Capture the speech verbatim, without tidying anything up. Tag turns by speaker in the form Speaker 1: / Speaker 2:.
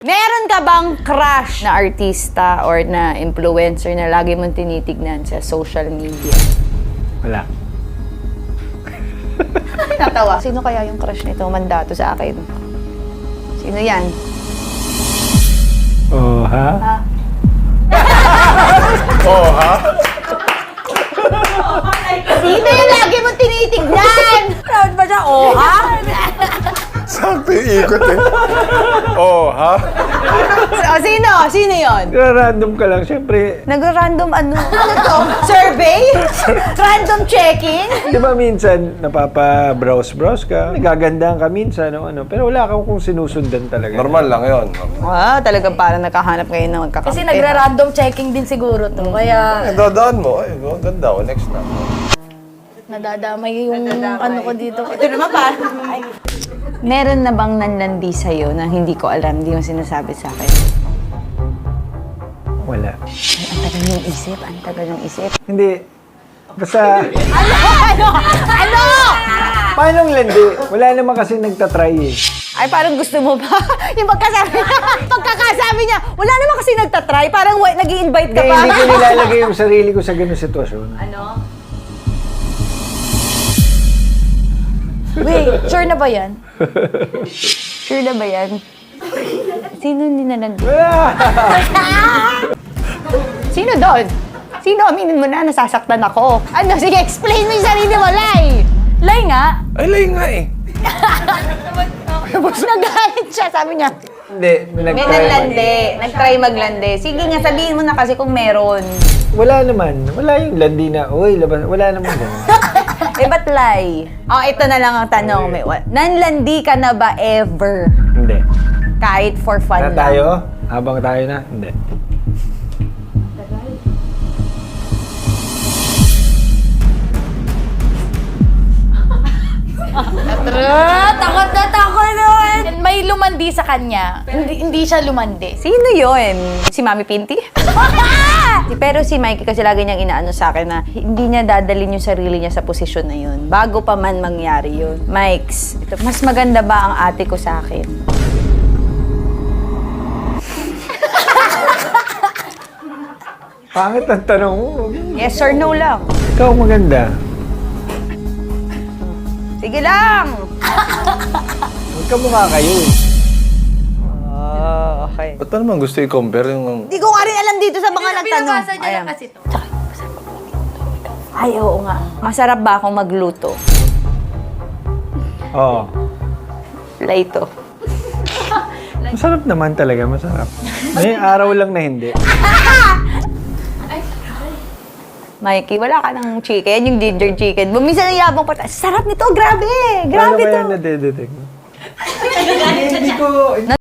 Speaker 1: Meron ka bang crush na artista or na influencer na lagi mong tinitignan sa social media?
Speaker 2: Wala.
Speaker 1: Natawa. Sino kaya yung crush nito mandato sa akin? Sino yan?
Speaker 2: Oh, ha?
Speaker 1: Ha?
Speaker 3: Oh, ha?
Speaker 1: Sino yung lagi mong tinitignan? Proud ba siya? Oh, ha?
Speaker 3: Sakto yung ikot eh. Oh, ha?
Speaker 1: O, sino? Sino yun?
Speaker 2: Random ka lang, syempre.
Speaker 1: Nag-random ano? Ano to? Survey? Random checking?
Speaker 2: Di ba minsan, napapa-browse-browse ka, nagagandahan ka minsan, no, ano, pero wala kang kung sinusundan talaga.
Speaker 3: Normal lang yun.
Speaker 1: Ah, talagang parang nakahanap kayo ng magkakampi.
Speaker 4: Kasi nagra-random checking din siguro to. Kaya
Speaker 3: Eh, dadaan mo. Ay, oh, ganda. Oh, next na.
Speaker 4: nadadamay yung ano ko dito.
Speaker 1: Ito naman pa. Meron na bang nanlandi sa'yo na hindi ko alam, hindi mo sinasabi sa akin?
Speaker 2: Wala.
Speaker 1: Ay, ang tagal ng isip, ang tagal ng isip.
Speaker 2: Hindi. Basta,
Speaker 1: Ano? Ano? Ano?
Speaker 2: paano landi? Wala naman kasi nagtatry eh.
Speaker 1: Ay, parang gusto mo ba? Yung pagkasabi niya, pagkakasabi niya, wala naman kasi nagtatry, parang nag invite ka
Speaker 2: Hindi,
Speaker 1: pa.
Speaker 2: hindi ko nilalagay yung sarili ko sa ganung sitwasyon.
Speaker 1: Ano?
Speaker 4: Wait, sure na ba yan?
Speaker 1: Sure na ba yan? Sino ninalandi?
Speaker 2: Wala!
Speaker 1: Sino doon? Sino? Aminin mo na, nasasaktan ako. Ano? Sige, explain mo yung sarili mo, Lai!
Speaker 4: Lay nga.
Speaker 3: Ay, lay nga eh.
Speaker 1: Nagalit siya, sabi niya.
Speaker 2: Hindi, may
Speaker 1: May
Speaker 2: nagtry.
Speaker 1: nanlandi. Nag-try maglandi. Sige nga, sabihin mo na kasi kung meron.
Speaker 2: Wala naman. Wala yung landi na, uy, labas. Wala naman ganun.
Speaker 1: Eh, ba't lie? Oh, ito na lang ang tanong. May, wa- nanlandi ka na ba ever?
Speaker 2: Hindi.
Speaker 1: Kahit for fun
Speaker 2: Na
Speaker 1: lang?
Speaker 2: tayo? Habang tayo na? Hindi.
Speaker 4: Ah, takot na takot naman. May lumandi sa kanya. Hindi, hindi siya lumandi.
Speaker 1: Sino yon? Si Mami Pinty? Pero si Mikey kasi lagi niyang inaano sa akin na hindi niya dadalhin yung sarili niya sa posisyon na yun. Bago pa man mangyari yun. Mikes, ito, mas maganda ba ang ate ko sa akin?
Speaker 2: Pangit ang tanong mo.
Speaker 1: Yes or no lang?
Speaker 2: Ikaw maganda.
Speaker 1: Sige lang!
Speaker 2: Magkamukha kayo eh.
Speaker 1: Oh, okay.
Speaker 3: Ba't pa naman gusto i-compare yung...
Speaker 1: Hindi ko nga rin alam dito sa mga nagtanong.
Speaker 4: Binabasa niya lang kasi to.
Speaker 1: Ay, oo nga. Masarap ba akong magluto?
Speaker 2: Oo.
Speaker 1: Laito.
Speaker 2: Masarap naman talaga, masarap. May araw lang na hindi.
Speaker 1: Mikey, wala ka ng chicken, yung ginger chicken. Buminsan ang yabang pa. Sarap nito, grabe!
Speaker 2: Paano
Speaker 1: Grabe
Speaker 2: kaya
Speaker 1: to!
Speaker 2: nadedetect? Hindi ko...